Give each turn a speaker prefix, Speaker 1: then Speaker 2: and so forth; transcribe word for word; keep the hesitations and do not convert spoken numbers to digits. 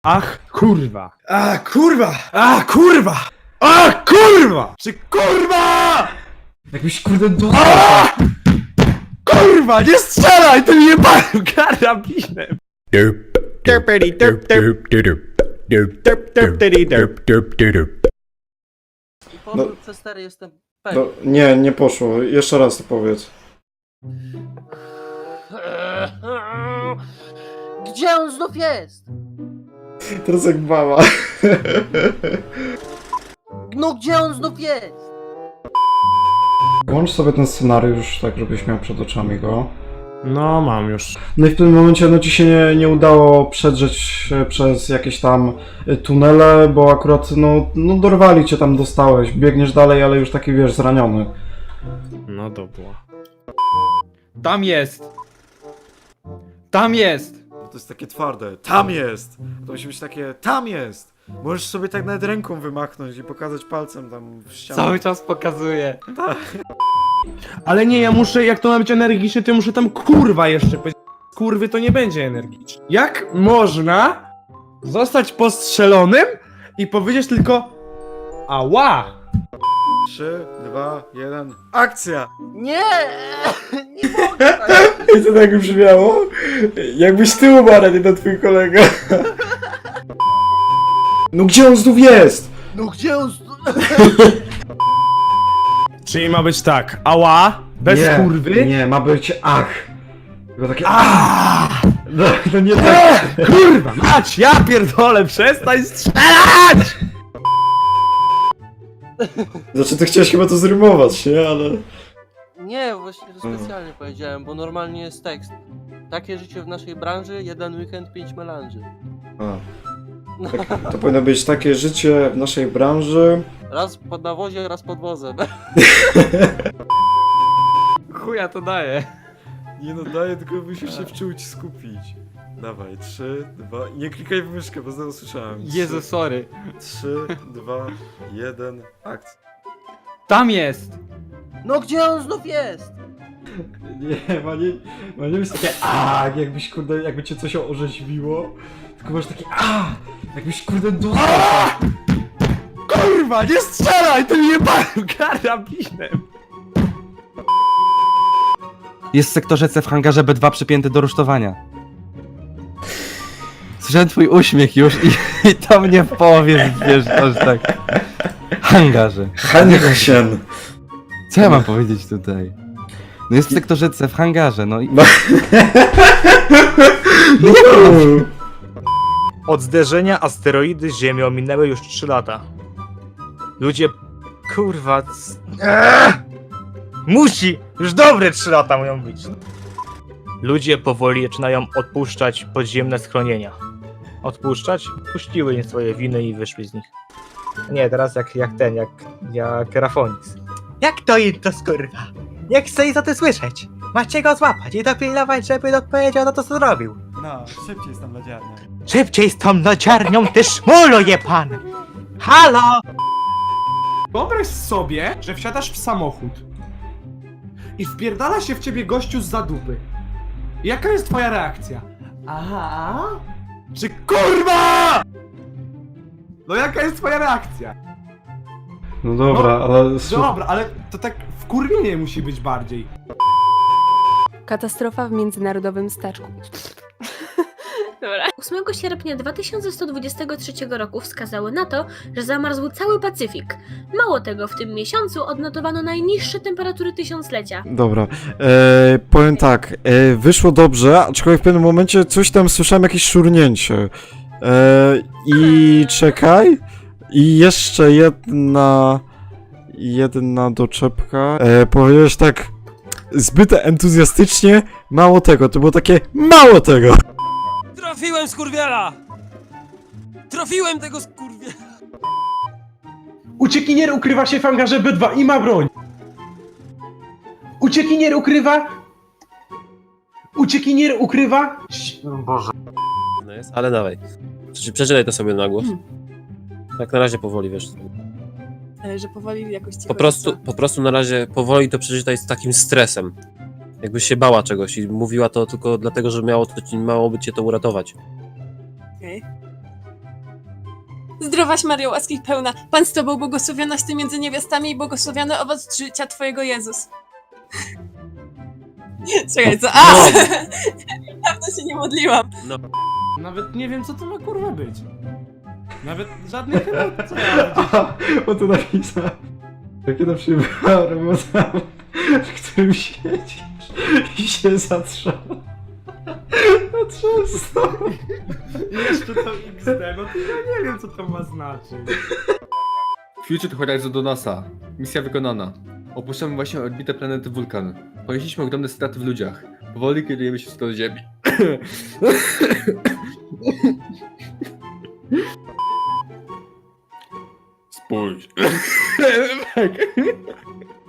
Speaker 1: Ach, kurwa!
Speaker 2: A kurwa!
Speaker 1: A, kurwa! A, kurwa! Czy kurwa!
Speaker 2: Jakbyś kurde dostał.
Speaker 1: Kurwa, nie strzelaj tym jebanym karabinem!
Speaker 3: I po
Speaker 2: No.
Speaker 3: przez cztery jestem pewien.
Speaker 2: No, nie, nie poszło. Jeszcze raz to powiedz.
Speaker 3: Gdzie on znów jest?
Speaker 2: Teraz jak mama.
Speaker 3: No gdzie on znów jest?
Speaker 2: Włącz sobie ten scenariusz, tak żebyś miał przed oczami go.
Speaker 1: No, mam już.
Speaker 2: No i w tym momencie no ci się nie, nie udało przedrzeć e, przez jakieś tam e, tunele, bo akurat no, no dorwali cię tam, dostałeś. Biegniesz dalej, ale już taki wiesz, zraniony.
Speaker 1: No dobra. Tam jest! Tam jest!
Speaker 2: To jest takie twarde. Tam jest! To musi być takie, tam jest! Możesz sobie tak nawet ręką wymachnąć i pokazać palcem tam w ścianę.
Speaker 1: Cały czas pokazuje. Ale nie, ja muszę, jak to ma być energiczne, to ja muszę tam kurwa jeszcze powiedzieć. Kurwy to nie będzie energiczne. Jak można zostać postrzelonym i powiedzieć tylko ała?
Speaker 2: trzy, dwa, jeden, akcja!
Speaker 3: Nie! Nie mogę tak.
Speaker 2: I to tak brzmiało? Jakbyś ty umarł, a nie ten twój kolega. No gdzie on znów jest?
Speaker 3: No gdzie on znów...
Speaker 1: Czyli ma być tak, ała, bez
Speaker 2: nie,
Speaker 1: kurwy.
Speaker 2: Nie, ma być ach. Tylko takie
Speaker 1: Aaaa!
Speaker 2: No, to nie tak.
Speaker 1: Kurwa, mać, ja pierdolę, przestań strzelać!
Speaker 2: Znaczy, ty chciałeś chyba to zrymować, nie? Ale...
Speaker 3: Nie, właśnie to specjalnie powiedziałem, bo normalnie jest tekst. Takie życie w naszej branży, jeden weekend, pięć melanży.
Speaker 2: A. Tak, to powinno być takie życie w naszej branży.
Speaker 3: Raz pod nawozie, raz pod wozem.
Speaker 1: Chuja to daje.
Speaker 2: Nie no, daję, tylko musisz się wczuć, skupić. Dawaj, trzy, dwa... Nie klikaj w myszkę, bo znowu słyszałem.
Speaker 1: Jezu, sorry.
Speaker 2: trzy, dwa, jeden, akcja.
Speaker 1: Tam jest!
Speaker 3: No gdzie on znów jest?
Speaker 2: Nie, ma nie, ma nie być takie a, jakbyś kurde, jakby cię coś orzeźwiło. Tylko masz takie a, jakbyś kurde dostał.
Speaker 1: Kurwa, nie strzelaj tym jebanym karabinem!
Speaker 4: Jest w sektorze C w hangarze B dwa przypięty do rusztowania. Słyszałem twój uśmiech już i, i to mnie w połowie wiesz, aż tak. Hangarze.
Speaker 2: Hanchen.
Speaker 4: Co ja mam powiedzieć tutaj? No jest w sektorze C w hangarze, no i...
Speaker 2: No,
Speaker 5: Od zderzenia asteroidy z Ziemią minęły już trzy lata. Ludzie... Kurwa... c- Eee! Musi! Już dobre trzy lata mają być. Ludzie powoli zaczynają odpuszczać podziemne schronienia. Odpuszczać? Puściły im swoje winy i wyszły z nich. Nie, teraz jak, jak ten, jak... jak Rafonix. Jak to im to skurwa? Nie chcę i za to słyszeć. Macie go złapać i dopilnować, żeby odpowiedział na to, co zrobił.
Speaker 2: no, szybciej z tą lodziarnią.
Speaker 5: Szybciej z tą lodziarnią, ty szmulu je pan! Halo!
Speaker 1: Wyobraź sobie, że wsiadasz w samochód i wpierdala się w ciebie gościu z zadupy. Jaka jest twoja reakcja? Aha? Czy kurwa? No jaka jest twoja reakcja?
Speaker 2: No dobra, ale...
Speaker 1: Dobra, ale to tak wkurwienie musi być bardziej.
Speaker 6: Katastrofa w międzynarodowym staczku. Dobra.
Speaker 7: ósmego sierpnia dwa tysiące sto dwudziestego trzeciego roku wskazały na to, że zamarzł cały Pacyfik. Mało tego, w tym miesiącu odnotowano najniższe temperatury tysiąclecia.
Speaker 2: Dobra, e, powiem tak, e, wyszło dobrze, aczkolwiek w pewnym momencie coś tam słyszałem, jakieś szurnięcie. E, I czekaj, i jeszcze jedna, jedna doczepka. E, powiedziałeś tak zbyt entuzjastycznie, mało tego, to było takie mało tego.
Speaker 8: Trafiłem skurwiela! Trafiłem tego skurwiela!
Speaker 1: Uciekinier ukrywa się w hangarze B dwa i ma broń. Uciekinier ukrywa... Uciekinier ukrywa...
Speaker 8: No jest, ale dawaj. Przeczy- Przeczytaj to sobie na głos. Tak na razie powoli, wiesz.
Speaker 6: Ale że powoli jakoś cicho.
Speaker 8: Po prostu, po prostu na razie powoli to przeczytaj z takim stresem. Jakbyś się bała czegoś i mówiła to tylko dlatego, że miało, to ci, miało by cię to uratować.
Speaker 6: Okej. Zdrowaś Mario, łaski pełna, Pan z Tobą, błogosławionaś Ty między niewiastami i błogosławiony owoc życia Twojego Jezus. Czekaj, co? A! Dawno się nie modliłam.
Speaker 1: Nawet nie wiem, co to ma kurwa być. Nawet żadnych chyba, co ja powiedzieć.
Speaker 2: O to napisał. Takie to przyjmowała robota, w którym siedzisz i się zatrząsa. Zatrząsa.
Speaker 1: I jeszcze to iks de, no to ja nie wiem, co to ma znaczyć.
Speaker 9: Future Horizon do NASA. Misja wykonana. Opuszczamy właśnie orbitę planety Wulkan. Ponieśliśmy ogromne straty w ludziach. Powoli kierujemy się w stronę Ziemi. Spójrz.